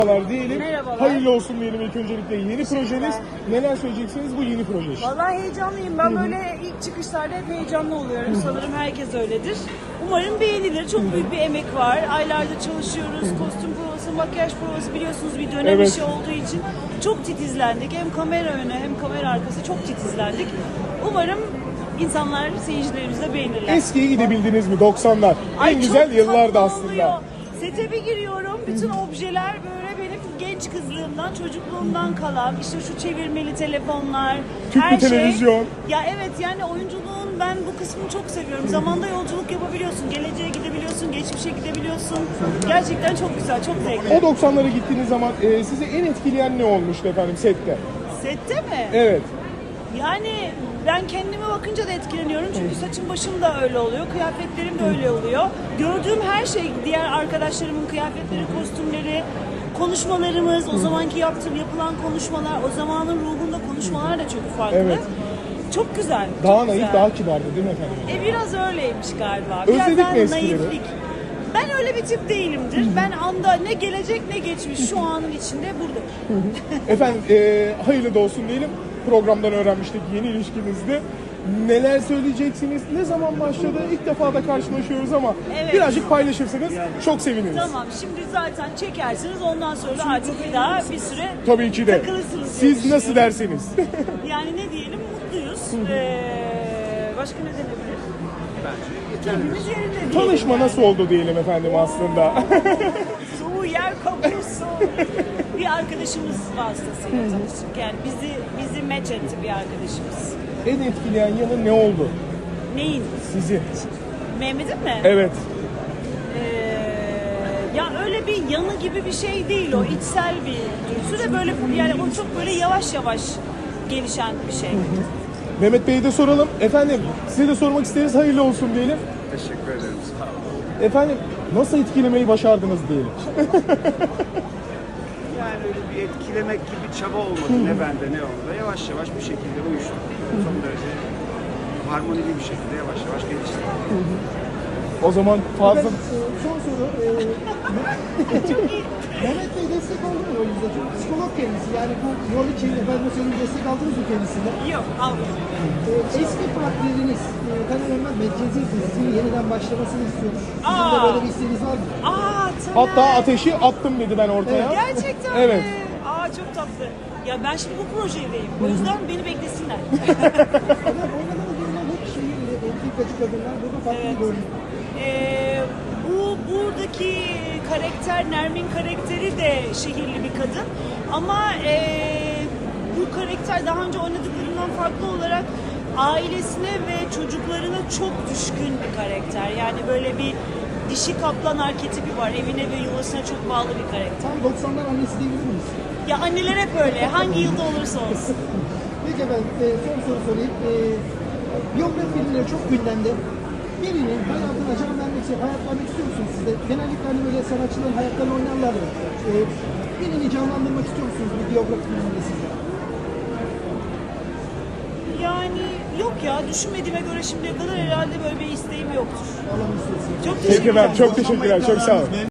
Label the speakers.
Speaker 1: Merhabalar diyelim.
Speaker 2: Merhabalar.
Speaker 1: Hayırlı olsun diyelim ilk öncelikle. Yeni projeniz. Neler söyleyeceksiniz bu yeni proje için?
Speaker 2: Vallahi heyecanlıyım. Ben böyle ilk çıkışlarda hep heyecanlı oluyorum. Sanırım herkes öyledir. Umarım beğenilir. Çok büyük bir emek var. Aylardır çalışıyoruz. Kostüm provası, makyaj provası, biliyorsunuz bir dönem
Speaker 1: Evet.
Speaker 2: işi olduğu için çok titizlendik. Hem kamera önü hem kamera arkası çok titizlendik. Umarım insanlar, seyircilerimiz de beğenirler.
Speaker 1: Eskiye gidebildiniz mi 90'lar?
Speaker 2: Ay,
Speaker 1: En güzel
Speaker 2: çok
Speaker 1: yıllardı
Speaker 2: tatlı
Speaker 1: aslında.
Speaker 2: oluyor. Sete bir giriyorum, bütün objeler böyle benim genç kızlığımdan, çocukluğumdan kalan, işte şu çevirmeli telefonlar,
Speaker 1: Tüplü
Speaker 2: her
Speaker 1: televizyon.
Speaker 2: şey. Ya evet, yani oyunculuğun ben bu kısmını çok seviyorum. Zamanda yolculuk yapabiliyorsun, geleceğe gidebiliyorsun, geçmişe gidebiliyorsun. Gerçekten çok güzel, çok zevkli.
Speaker 1: O 90'lara gittiğiniz zaman sizi en etkileyen ne olmuştu efendim sette?
Speaker 2: Sette mi?
Speaker 1: Evet.
Speaker 2: Yani ben kendime bakınca da etkileniyorum çünkü saçım başım da öyle oluyor, kıyafetlerim de öyle oluyor. Gördüğüm her şey, diğer arkadaşlarımın kıyafetleri, kostümleri, konuşmalarımız, o zamanki yapılan konuşmalar, o zamanın ruhunda konuşmalar da çok farklı.
Speaker 1: Evet.
Speaker 2: Çok güzel.
Speaker 1: Daha
Speaker 2: çok
Speaker 1: naif,
Speaker 2: güzel.
Speaker 1: daha kibardı değil mi efendim?
Speaker 2: Biraz öyleymiş galiba. Biraz
Speaker 1: Özledik
Speaker 2: daha
Speaker 1: mi eskileri?
Speaker 2: naiflik. Ben öyle bir tip değilimdir. Ben anda ne gelecek ne geçmiş şu anın içinde burada.
Speaker 1: Efendim hayırlı da olsun diyelim. Programdan öğrenmiştik yeni ilişkinizde. Neler söyleyeceksiniz? Ne zaman başladı? İlk defa da karşılaşıyoruz ama
Speaker 2: Evet.
Speaker 1: birazcık paylaşırsanız çok seviniriz.
Speaker 2: Tamam, şimdi zaten çekersiniz, ondan sonra artık bir daha bir süre
Speaker 1: Tabii ki de.
Speaker 2: takılırsınız diye
Speaker 1: Siz nasıl
Speaker 2: düşünüyorum.
Speaker 1: derseniz.
Speaker 2: Yani ne diyelim, mutluyuz. Başka ne denebilir? Keyfimiz yerinde diyelim.
Speaker 1: Tanışma
Speaker 2: yani.
Speaker 1: nasıl oldu diyelim efendim aslında.
Speaker 2: Soğuğu yer kabuğusu. Bir arkadaşımız vasıtasıyla tanıştık. Yani bizi match etti bir arkadaşımız.
Speaker 1: En etkileyen yanı ne oldu
Speaker 2: Neyin?
Speaker 1: sizi?
Speaker 2: Mehmet'in mi?
Speaker 1: Evet.
Speaker 2: Ya öyle bir yanı gibi bir şey değil o. İçsel bir duygusu ve böyle, yani o çok böyle yavaş yavaş gelişen bir şey.
Speaker 1: Mehmet Bey'e de soralım. Efendim size de sormak isteriz. Hayırlı olsun diyelim.
Speaker 3: Teşekkür ederim. Sağ olun.
Speaker 1: Efendim nasıl etkilemeyi başardınız diyelim.
Speaker 3: Yani öyle bir etkilemek gibi çaba olmadı. Ne bende ne onda. Yavaş yavaş bir şekilde uyuştuk. Son derece harmonili bir şekilde yavaş yavaş geliştik.
Speaker 1: O zaman fazla...
Speaker 4: Son soru. Mehmet Bey destek oldu mu rolünüzde? Çünkü psikolog kendisi. Yani bu rol için efendim söyleyeyim destek aldınız mı kendisinden?
Speaker 2: Yok, almıyorum.
Speaker 4: Eski partneriniz Taner Ölmez Medcezir dizisinin yeniden başlamasını istiyormuş. Sizin de
Speaker 2: Aa.
Speaker 4: böyle bir isteğiniz var mı?
Speaker 2: Taner.
Speaker 1: Hatta ateşi attım dedi ben ortaya.
Speaker 2: Gerçekten
Speaker 1: Evet.
Speaker 2: mi? Çok tatlı. Ya ben şimdi bu projedeyim. O yüzden beni beklesinler.
Speaker 4: Ama oynadığınız durumda hep entrikacı kadınlar burada farklı bir görünüm.
Speaker 2: Buradaki karakter, Nermin karakteri de şehirli bir kadın. Ama bu karakter daha önce oynadıklarından farklı olarak ailesine ve çocuklarına çok düşkün bir karakter. Yani böyle bir dişi kaplan arketipi var. Evine ve yuvasına çok bağlı bir karakter.
Speaker 4: Tam 90'lar annesi diyebilir miyiz?
Speaker 2: Ya anneler hep öyle. Hangi yılda olursa olsun.
Speaker 4: Peki efendim son soru sorayım. Biyografi filmleri çok gündemde. Birinin hayatına can vermek için hayat vermek istiyor musunuz siz de? Genellikle hani böyle sanatçıların hayatlarını oynarlar ya. Birini canlandırmak istiyor musunuz bir biyografi filminde siz de?
Speaker 2: Yani yok ya, düşünmediğime göre şimdiye kadar herhalde böyle bir isteğim yoktur.
Speaker 4: Allah'ın istiyorsun.
Speaker 2: Çok
Speaker 1: Peki
Speaker 2: teşekkürler.
Speaker 1: ben çok teşekkürler. Çok sağ olun.